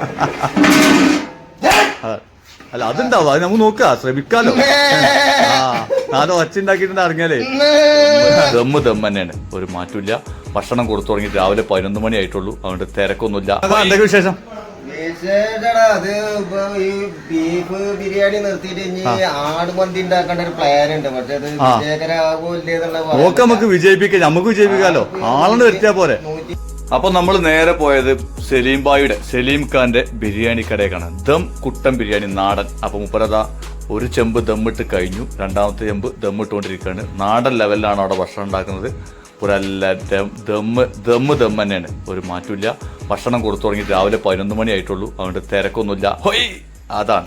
അല്ല അതുണ്ടാവും, അത് നമുക്ക് നോക്കുക, ശ്രമിക്കാലോ. നാല് ഒച്ച ഉണ്ടാക്കിയിട്ട് ഇറങ്ങിയാലേ ദമ്മ് തന്നെയാണ്, ഒരു മാറ്റമില്ല. ഭക്ഷണം കൊടുത്തു തുടങ്ങി രാവിലെ 11 മണി ആയിട്ടുള്ളൂ, അതുകൊണ്ട് തിരക്കൊന്നുമില്ല. എന്തൊക്കെ വിശേഷം? അത് ഈ ബീഫ് ബിരിയാണി നിർത്തിയിട്ട് ഇനി ആടുമന്തി ഉണ്ടാക്കേണ്ട ഒരു പ്ലാൻ ഉണ്ട്. പക്ഷെ അത് വിജയകരാകൂല്ല. നമുക്ക് വിജയിപ്പിക്കാം, നമുക്ക് വിജയിപ്പിക്കാലോ. ആളെന്ന് വരുത്തിയാ പോരെ. അപ്പൊ നമ്മൾ നേരെ പോയത് സലീം ബായിയുടെ, സലീം ഖാന്റെ ബിരിയാണി കടയേക്കാണ്. ദം കുട്ടൻ ബിരിയാണി നാടൻ. അപ്പൊ മുപ്പരതാ ഒരു ചെമ്പ് ദമ്മിട്ട് കഴിഞ്ഞു, രണ്ടാമത്തെ ചെമ്പ് ദമ്മിട്ടുകൊണ്ടിരിക്കുകയാണ്. നാടൻ ലെവലിലാണ് അവിടെ ഭക്ഷണം ഉണ്ടാക്കുന്നത്. ഒരല്ല ദമ്മ് തന്നെയാണ്, ഒരു മാറ്റമില്ല. ഭക്ഷണം കൊടുത്തു തുടങ്ങി രാവിലെ 11 മണി ആയിട്ടുള്ളൂ, അതുകൊണ്ട് തിരക്കൊന്നുമില്ല. ഹൊയ് അതാണ്.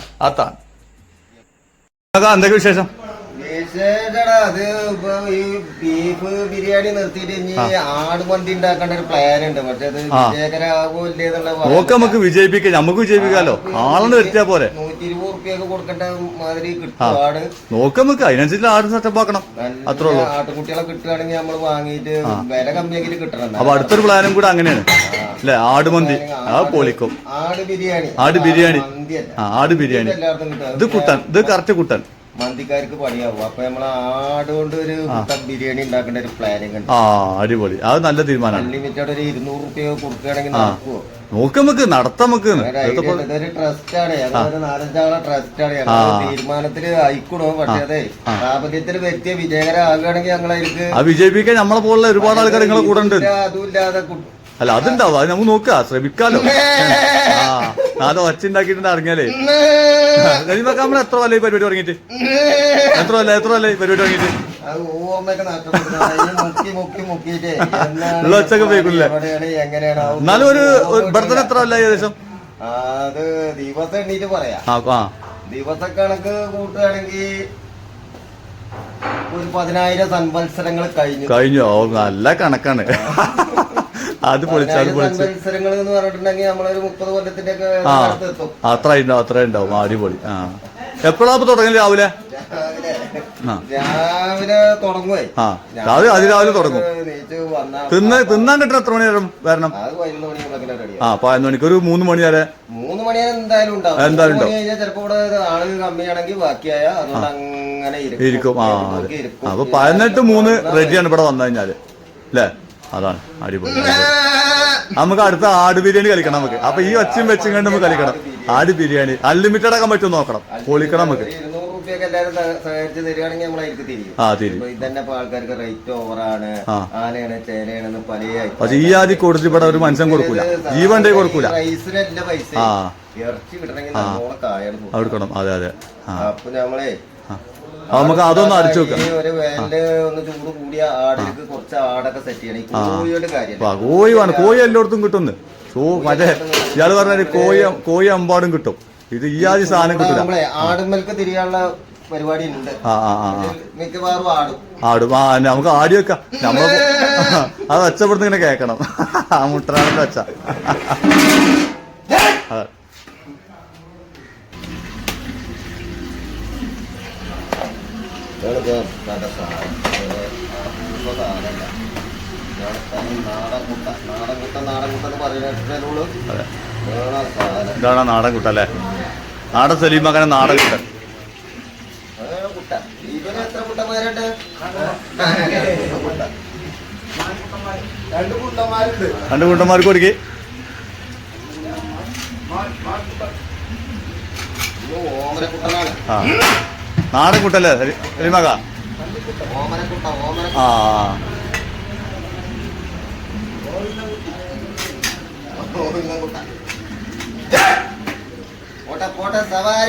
എന്തൊക്കെ വിശേഷം? അത് ഈ ബീഫ് ബിരിയാണി നിർത്തിയിട്ട് ഇനി ആടുമന്തി ഉണ്ടാക്കേണ്ട ഒരു പ്ലാൻ ഉണ്ട്. പക്ഷെ അത് വിജയകരാകൂല്ല. നമുക്ക് വിജയിപ്പിക്കാം, നമുക്ക് വിജയിപ്പിക്കാലോ. ആളെന്ന് വരുത്തിയാ പോരെ. 120 റുപ്യൊക്കെ കൊടുക്കേണ്ട മാതിരി കിട്ടും ആട്. നമുക്ക് അതിനനുസരിച്ച് ആട് സെറ്റപ്പ് ആക്കണം, അത്രേ ഉള്ളൂ. ആട്ടുകുട്ടികളെ കിട്ടുകയാണെങ്കിൽ നമ്മൾ വാങ്ങിയിട്ട് വില കമ്മിയെങ്കിലും കിട്ടണം. അപ്പൊ അടുത്തൊരു പ്ലാനും കൂടെ അങ്ങനെയാണ് അല്ലെ, ആടുമന്തി. ആ പൊളിക്കും. ആട് ബിരിയാണി ആട് ബിരിയാണി. ഇത് കുട്ടൻ, ഇത് കറക്റ്റ് കുട്ടൻ. മന്തിക്കാർക്ക് പണിയാവും. അപ്പൊ നമ്മള് ആടുകൊണ്ട് ഒരു ബിരിയാണി ഉണ്ടാക്കേണ്ട ഒരു പ്ലാനിങ് ഉണ്ട്. അടിപൊളി, അത് നല്ല തീരുമാനമാണ്. അൺലിമിറ്റഡ് ഒരു 200 റുപ്യ കൊടുക്കുകയാണെങ്കിൽ നടക്കുവോ? നമുക്ക് നടത്താം. ഇതൊരു ട്രസ്റ്റ് ആണ്, അതൊരു 4-5 ആളെ ട്രസ്റ്റ് ആണ്. ഞങ്ങൾ തീരുമാനത്തില് ആയിക്കൂടോ. പക്ഷെ അതെ പ്രാബല്യത്തിൽ വ്യക്തിയെ വിജയകരമാകുകയാണെങ്കിൽ ഞങ്ങളായിരിക്കും വിജയിപ്പിക്കാൻ നമ്മളെ പോലുള്ള ഒരുപാട് ആൾക്കാർ നിങ്ങളെ കൂടെ ഉണ്ട്. അതുമില്ലാതെ അല്ല അതുണ്ടാവും, അത് നമുക്ക് നോക്കുക, ശ്രമിക്കാലോ. നാല് ഒച്ച ഉണ്ടാക്കിയിട്ട് ഇറങ്ങിയാലേ കഴിയുമ്പോ നമ്മൾ എത്ര കൊല്ലം ഈ പരിപാടി തുടങ്ങിയിട്ട്? എത്ര കൊല്ലം ഈ പരിപാടി തുടങ്ങിയിട്ട്? ഉള്ള ഒച്ചൊക്കെ പോയിക്കില്ലേ? എന്നാലും ഒരു ബർത്ത്ഡേ എത്ര കൊല്ലം ഏകദേശം? അത് ദിവസം എണ്ണീറ്റ് പറയാം. ദിവസക്കണക്ക് കൂട്ടുകയാണെങ്കിൽ ഒരു 10,000 സംവത്സരങ്ങൾ കഴിഞ്ഞു. നല്ല കണക്കാണ്. അത് സംവത്സരങ്ങൾ എന്ന് പറഞ്ഞിട്ടുണ്ടെങ്കിൽ നമ്മളൊരു 30 കൊല്ലത്തിന്റെ ഒക്കെ അത്ര ഉണ്ടാവും. അടിപൊളി. എപ്പോഴാ തുടങ്ങി? രാവിലെ തുടങ്ങുവേ. അതിരാവിലെ തുടങ്ങും. തിന്നാൻ കിട്ടണം എത്ര മണി വരണം? 11 മണിക്ക് ഒരു 3 മണി വരെ. 3 മണി വരെ എന്തായാലും ഉണ്ടാവും. ചിലപ്പോ ഇവിടെ ആള് കമ്മിയാണെങ്കിൽ ബാക്കിയായ അതുകൊണ്ട് അങ്ങനെ ഇരിക്കും. അപ്പൊ 18-3 റെഡിയാണ് ഇവിടെ വന്നു കഴിഞ്ഞാല് അല്ലേ? അതാണ് അടിപൊളി. നമുക്ക് അടുത്ത ആട് ബിരിയാണി കളിക്കണം നമുക്ക്. അപ്പൊ ഈ ഒച്ചയും വെച്ചും കണ്ട് നമുക്ക് കളിക്കണം. ആട് ബിരിയാണി അൺലിമിറ്റഡ് ആക്കാൻ പറ്റും നോക്കണം, പൊളിക്കണം നമുക്ക്. 200 റുപ്യൊക്കെ എല്ലാവരും സഹകരിച്ച് തരികയാണെങ്കിൽ നമ്മളായിരിക്കും തിരിയും. ഇതന്നെ ആൾക്കാർക്ക് റേറ്റ് ഓവറാണ്, ആനയാണ് ചേനയാണെന്ന് പല. പക്ഷെ ഈ ആദ്യം കൊടുത്ത് ഇവിടെ ഒരു മനുഷ്യൻ കൊടുക്കൂല, ജീവന്റെ കൊടുക്കൂല. റൈസിനല്ല പൈസ, ഇറച്ചി കിട്ടണമെങ്കിൽ നമ്മളെ കായാണ് കൊടുക്കണം. അതെ. അപ്പൊ നമ്മളെ നമുക്ക് അതൊന്ന് അടിച്ചു നോക്കാം. ഒരു വേനല് ഒന്ന് ചൂട് കൂടിയ ആടിലേക്ക് കുറച്ച് ആടൊക്കെ സെറ്റ് ചെയ്യണം. കോഴിയുടെ കാര്യം, കോഴി വേണം. കോഴി എല്ലായിടത്തും കിട്ടുന്നു. മറ്റേ ഇയാള് പറഞ്ഞ കോഴി അമ്പാടും കിട്ടും. ഇത് ഈ ആദ്യ സാധനം കിട്ടില്ല. നമ്മളെ ആടുമ്പൽക്ക് തിരിയാനുള്ള പരിപാടി ഉണ്ട്. മിക്കവാറും ആടും. നമുക്ക് ആടി വെക്കാം. നമ്മള് അത് ഒച്ചപ്പെടുത്ത് ഇങ്ങനെ കേക്കണം. ആ മുട്ടനാടിന്റെ ഒച്ച. ഇതാണ് നാടൻ കുട്ട അല്ലേ? നാടൻ സലീം അങ്ങനെ നാടൻ കുട്ടൻ. രണ്ട് കുട്ടന്മാർക്ക് കൊടുക്കി. നാടൻ കുട്ടല്ലേ സലീമക? പോട്ടെ സവാരി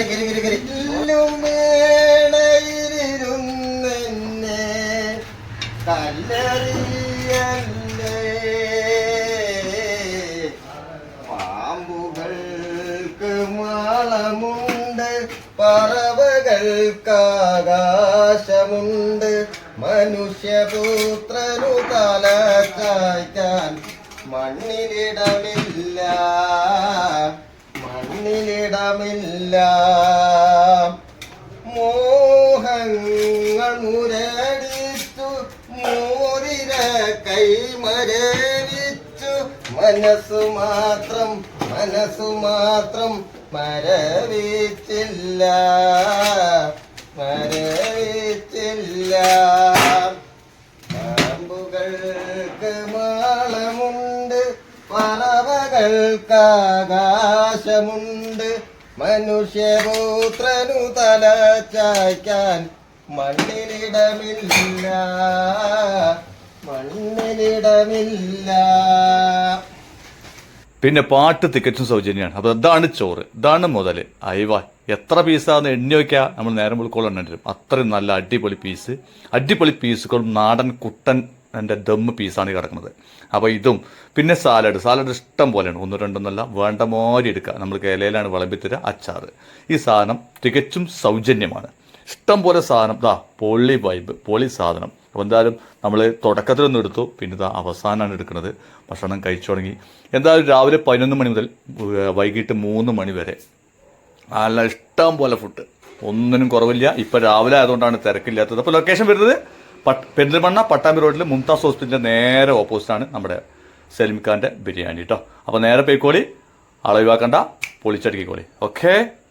പാമ്പുകൾക്ക് മാളമുണ്ട്, പറവകൾക്കാകാശമുണ്ട്, മനുഷ്യപുത്രനു തല ചായ്ക്കാൻ മണ്ണിലിടമില്ല. മോഹങ്ങൾ മുരടിച്ചു, മോതിര കൈമരവിച്ചു, മനസ്സു മാത്രം മനസ്സു മാത്രം മരവിച്ചില്ല പാമ്പുകൾക്ക് മാളമുണ്ട് പറവകൾക്കാകാശമുണ്ട് മനുഷ്യപുത്രനു തല ചായ്ക്കാൻ മണ്ണിലിടമില്ല പിന്നെ പാട്ട് തികച്ചും സൗജന്യമാണ്. അപ്പോൾ ഇതാണ് ചോറ്, ഇതാണ് മുതൽ. അയവാ എത്ര പീസാന്ന് എണ്ണി വയ്ക്കുക, നമ്മൾ നേരം വിളിക്കോളം എണ്ണ തരും. അത്രയും നല്ല അടിപൊളി പീസുകളും നാടൻ കുട്ടൻ എൻ്റെ ദമ്മ് പീസാണ് കിടക്കുന്നത്. അപ്പോൾ ഇതും പിന്നെ സാലഡ് ഇഷ്ടം പോലെയാണ്, 1 2 ഒന്നല്ല, വേണ്ട മാതിരി എടുക്കുക. നമ്മൾ ഇലയിലാണ് വിളമ്പിത്തരിക. അച്ചാറ്, ഈ സാധനം തികച്ചും സൗജന്യമാണ്. ഇഷ്ടം പോലെ സാധനം, പൊളി വൈബ്, പൊളി സാധനം. അപ്പോൾ എന്തായാലും നമ്മൾ തുടക്കത്തിലൊന്നും എടുത്തു, പിന്നെ അവസാനമാണ് എടുക്കുന്നത്. ഭക്ഷണം കഴിച്ചു തുടങ്ങി. എന്തായാലും രാവിലെ 11 മണി മുതൽ വൈകിട്ട് 3 മണി വരെ നല്ല ഇഷ്ടം പോലെ ഫുഡ്, ഒന്നിനും കുറവില്ല. ഇപ്പം രാവിലെ ആയതുകൊണ്ടാണ് തിരക്കില്ലാത്തത്. അപ്പോൾ ലൊക്കേഷൻ വരുന്നത് പെരിന്തൽമണ്ണ പട്ടാമ്പി റോഡിൽ മുംതാസ് ഹോസ്പിറ്റലിൻ്റെ നേരെ ഓപ്പോസിറ്റാണ് നമ്മുടെ സലീം ഖാൻ്റെ ബിരിയാണി കേട്ടോ. അപ്പോൾ നേരെ പോയിക്കോളി, ആളൊഴിവാക്കണ്ട, പൊളിച്ചടുക്കിക്കോളി. ഓക്കെ.